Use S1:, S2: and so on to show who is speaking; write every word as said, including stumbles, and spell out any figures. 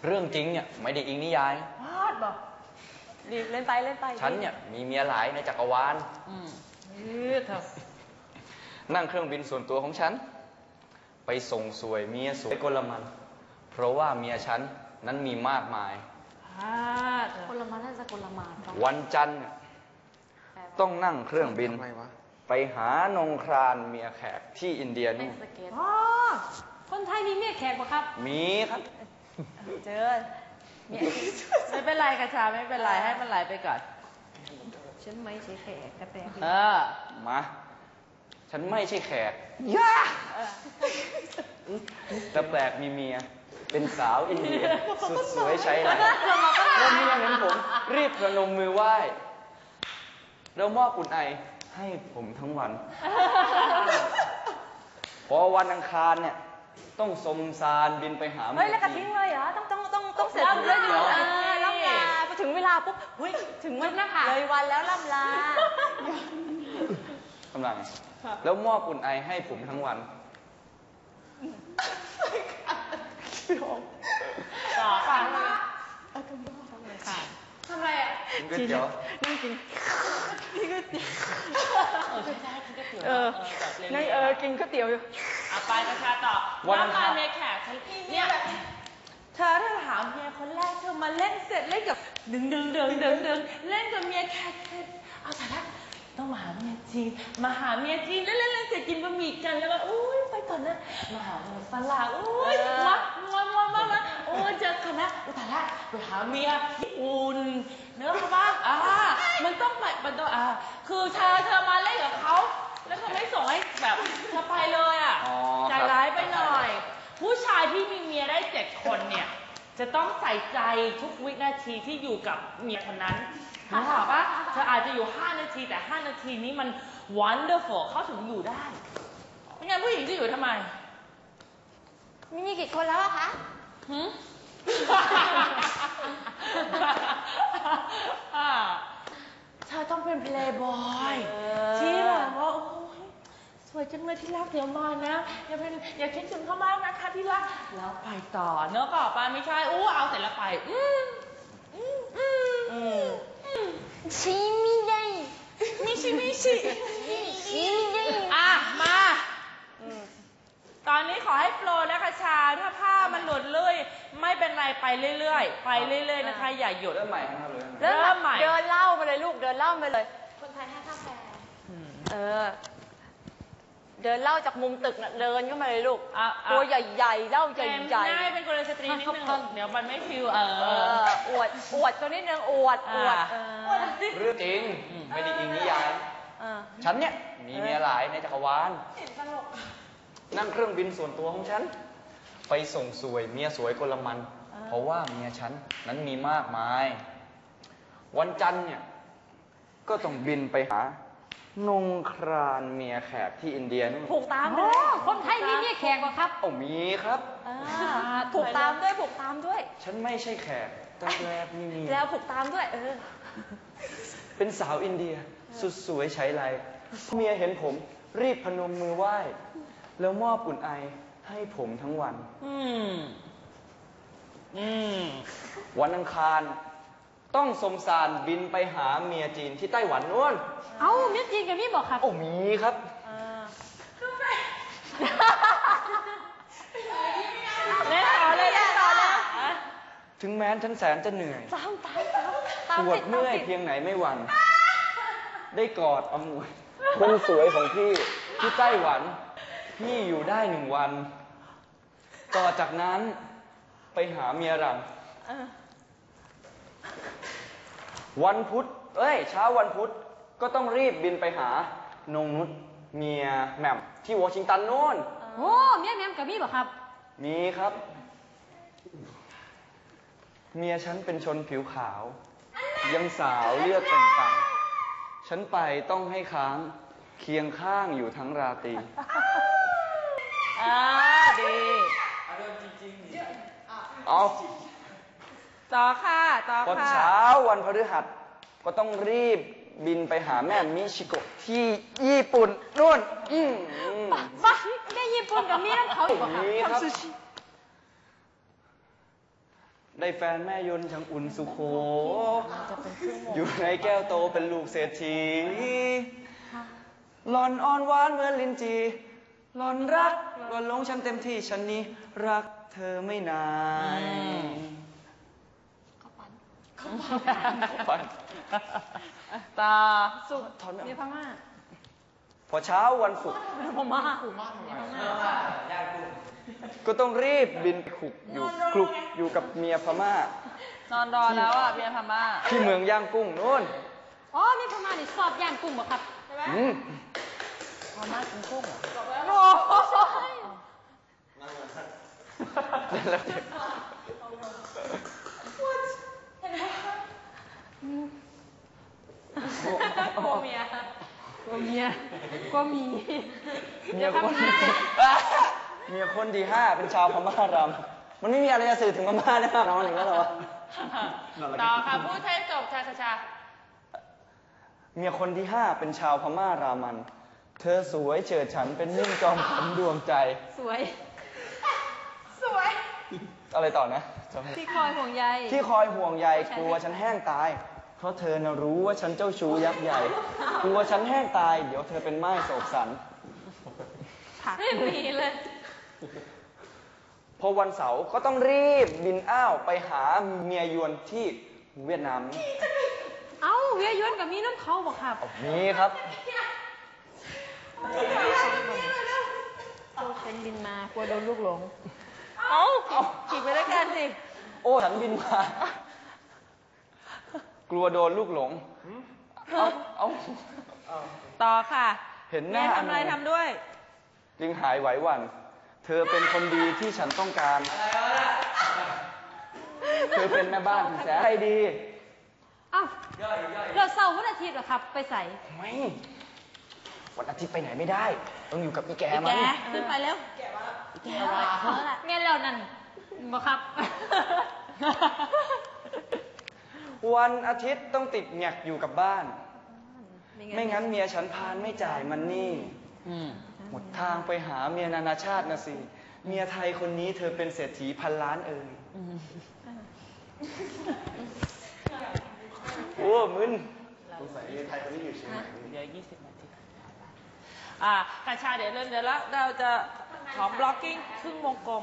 S1: เรื่องจริงเนี่ยไม่ได้อิงนิยาย
S2: พาดบอกรีบเล่นไปเล่นไป
S1: ฉันเนี่ยมีเมียหลายในจักรวาล
S2: อืมเถอะ
S1: นั่งเครื่องบินส่วนตัวของฉันไปส่งสวยเมียสวยกลมันเพราะว่าเมียฉันนั้นมีมากมาย
S2: กลมันน่าจะกลมาน
S1: วันจันทร์ต้องนั่งเครื่องบินไปหานงครานเมียแขกที่อินเดียนี่
S2: อ๋อคนไทยมีเมียแขกปะครับ
S1: มีครับ
S2: เจอไม่เป็นไรกระชาไม่เป็นไรให้มันไหลไปก่อนฉันไม่ใช่แขกแต่แปลกเออ
S1: มาฉันไม่ใช่แขกย่าแต่แปลกมีเมียเป็นสาวอินเดียสุดสวยใช้ไหนแล้วเมียเห็นผมรีบประนมมือไหว้แล้วมอบอุ่นไอให้ผมทั้งวันพอวันอังคารเนี่ยต้องสมสารบินไปหา
S2: เฮ้ยแล้วก็ทิ้งเลยเหรอต้องต้องต้องต้องเสร็จเลยอยู่ล่ำลาพอถึงเวลาปุ๊บเฮ้ยถึงวันนะคะเลยวันแล้วล่ำลาก
S1: ำลังแล้วมอบอุ่นไอให้ผมทั้งวัน
S2: ต่อค่ะทำอะไรอ่ะ
S1: กินก๋วยเตี๋ยว
S2: นั่งกินนี่ก๋วยเตี๋ยวเออใช่ใช่กินก๋วยเตี๋ยวเออนั่งเออกินก๋วยเตี๋ยวอยู่อ่ะไปกระชาต่อวันมาเมียแขกเนี่ยเธอถ้าถามเมียคนแรกเธอมาเล่นเสร็จเล่นกับดึงดึงดึงดึงดึงเล่นกับเมียแขกเสร็จเอาแต่ละต้องมาหาเมียจีนมาหาเมียจีนแล้วเล่นเล่นเสร็จกินบะหมี่กันแล้วก็อุ้ยไปก่อนนะมาหาเมียฝรั่งอุ้ยมามามามามาโอ้เจอกันนะแต่ละไปหาเมียญี่ปุ่นเนื้อเขาบ้างอ่ามันต้องไปมันต้องอ่าคือเธอเธอมาเล่นกับเขาแล้วเธอไม่ส่งให้แบบเธอไปเลยอ่ะใจร้ายไปหน่อยผู้ชายที่มีเมียได้เจ็ดคนเนี่ยจะต้องใส่ใจทุกวินาทีที่อยู่กับเมียคนนั้นนึกออกปะเธออาจจะอยู่ห้านาทีแต่ห้านาทีนี้มัน wonderful เขาถึงอยู่ได้ไม่งั้นผู้หญิงจะอยู่ทำไมมีมีกี่คนแล้วอะคะหืมเธอต้องเป็นเพลย์บอยที่แบบว่าโอ้ยสวยจังเลยที่รักเดี๋ยวมานะอย่าเป็นอย่าคิดถึงเขามากนะคะที่รักแล้วไปต่อเนอะก็ออกไปไม่ใช่อู้เอาเสร็จแล้วไปอืมอืมอืมอืมชิมิไดมิชิมิชิชิมิไดอ่ะมาตอนนี้ขอให้โปรนะคะชาถ้าผ้ามันหลุดเลยไม่เป็นไรไปเรื่อยๆไปเรื่อยๆนะคะอย่าหยุด
S1: เริ่มใหม่ครับเลย
S2: เริ่มใหม่เดินเล่าไปเลยลูกเดินเล่าไปเลยคนไทยให้ค่าแฟเออเดินเล่าจากมุมตึกน่ะเดินเข้ามาเลยลูกตัวใหญ่ๆเล่าใหญ่ๆได้เป็นกลสตรีนิดนึงเดี๋ยวมันไม่ฟิวเอออวดอวดตัวนิดนึงอวดอวด
S1: เรื่องจริงไม่ได้อิงนิยายฉันเนี่ยมีเมียหลายในจักรวาลนั่งเครื่องบินส่วนตัวของฉันไปส่งสวยเมียสวยกลมันเพราะว่าเมียฉันนั้นมีมากมายวันจันทร์เนี่ยก็ต้องบินไปหานงครานเมียแขกที่อินเดียนู่น
S2: ผูกตามด้วยคนไทยมีเมียแขกป่ะครับ
S1: โอ้มีครับ
S2: ผูกตามด้วยผูกตามด้วย
S1: ฉันไม่ใช่แขกแต่แรกมีมี
S2: แล้วผูกตามด้วยเออ
S1: เป็นสาวอินเดียสุดสวยใช้ไรเมียเห็นผมรีบพนมมือไหว้แล้วมอบอุ่นไอให้ผมทั้งวันอืมอืมวันอังคารต้องสมสารบินไปหาเมียจีนที่ไต้หวันนู่น
S2: เอ้าเมียจีนกับพี่บอกครับ
S1: โอ้มีครับ
S2: เล่นต่อเลยเล่นต่อเลย
S1: ถึงแม้ฉันแสนจะเหนื่อย
S2: ตามตามตาม
S1: ปวดเมื่อยเพียงไหนไม่หวั่นได้กอดอมวยคนสวยของพี่ที่ไต้หวันพี่อยู่ได้หนึ่งวันต่อจากนั้นไปหาเมียรังวันพุธเอ้ยเช้าวันพุธก็ต้องรีบบินไปหานงนุชเมียแหม่มที่วอชิงตันโน่น
S2: โอ้เมียแหม่มกับพี่บอกครับ
S1: มีครับเมียฉันเป็นชนผิวขาวยังสาวเลือดต่างๆฉันไปต้องให้ค้างเคียงข้างอยู่ทั้งราตรี
S2: อ่าดี
S1: เอา
S2: ต่อค่ะต่อค่ะ
S1: พอเช้าวันพฤหัสก็ต้องรีบบินไปหาแม่มิชิโกะที่ญี่ปุ่นนู่นอืม
S2: บ้าแม่ญี่ปุ่นกับมีน้ำเขาอีกเหรอคะ
S1: ทำซูชิได้แฟนแม่ยนต์ช่างอุ่นสุโข
S2: จะเป็นครึ่งโมง
S1: อยู่ในแก้วโตเป็นลูกเศรษฐีหล่อนอ่อนหวานเหมือนลิ้นจีหล่อนรักหล่อนหลงฉันเต็มที่ฉันนี้รักเธอไม่นายเขาปัน
S2: ตา
S1: สุดถอนไม่
S2: มี
S1: อ
S2: พ
S1: อก
S2: ม่า
S1: พอเช้าวันศุกร์
S2: พม่า
S1: ก็ต้องรีบบินขลุกอยู่คลุกอยู่กับเมียพม่าน
S2: อนรอแล้วอ่ะเมียพม่า
S1: ที่เมืองย่างกุ้งนู่น
S3: อ๋อนี่พม่านี่ชอบย่างกุ้งบ่ครับ
S1: อืม
S2: พม่ากินกุ้งเหรอ
S3: โอ้โห
S1: แล้วเด็ก
S3: กลัวเมียกลัวเมียกลัวหมี
S1: เมียคนเมียคนที่ห้าเป็นชาวพม่ารำมันไม่มีอะไรจะสื่อถึงพม่าได้มากน้องหนึ่งแล้วเหรอวะ
S2: ต่อค่ะพูดให้จบชาชาชา
S1: เมียคนที่ห้าเป็นชาวพม่ารามัน เธอสวยเฉิดฉันเป็นมิ่งจอมขวัญดวงใจ
S3: สวย
S2: สวย
S1: อะไรต่อนะจำไม่
S3: ที่คอยห่วงใย
S1: ที่คอยห่วงใยกลัวฉันแห้งตาย เพราะเธอน่ะรู้ว่าฉันเจ้าชู้ยักษ์ใหญ่ กลัวฉันแห้งตาย เดี๋ยวเธอเป็นไม้โศกสัน
S3: ผักไม่มีเลย
S1: พอวันเสาร์ก็ต้องรีบบินอ้าวไปหาเมียยวนที่เวียดนาม
S3: เอ้าเวียยวนกับมีน้ำเขาบ่ครับ
S1: มีครับ
S3: โตเป็นบินมากลัวโดนลูกหลง
S2: เอ้าขี่ไปด้วยกันสิ
S1: โอ้ฉันบินมา กลัวโดนลูกหลง เอาเอา
S2: ต่อค่ะ
S1: เห็นหน้า
S2: แม่ทำอะไรทำด้วย
S1: จึงหายไหวหวั่น เธอเป็นคนดีที่ฉันต้องการ เธอเป็นแม่บ้านที่แสนใจดี
S3: เอ้าเราเสาร์วันอาทิตย์เหรอครับ ไปใส่
S1: ไม่ วันอาทิตย์ไปไหนไม่ได้ ต้องอยู่กับอีแก
S3: แก
S1: มัน
S3: ขึ้นไปแล้วแกมาแล้วแกมาแล้วแม่เรานั่นบ่ครับ
S1: วันอาทิตย์ต้องติดแงกอยู่กับบ้าน ไม่งั้นเมียฉันพานไม่จ่ายมันนี่
S2: อืม
S1: หมดทางไปหาเมียนานาชาตินะสิ เมียไทยคนนี้เธอเป็นเศรษฐีพันล้านเอ่ยโอ้มึนสงสัยเมียไทยคนนี้อยู่เชียงใหม่
S2: เดี๋ยวยี่สิบนาที อ่ากัญชาเดี๋ยวเริ่มเดี๋ยวแล้วเราจะขอบล็อกกิ้งครึ่งวงกลม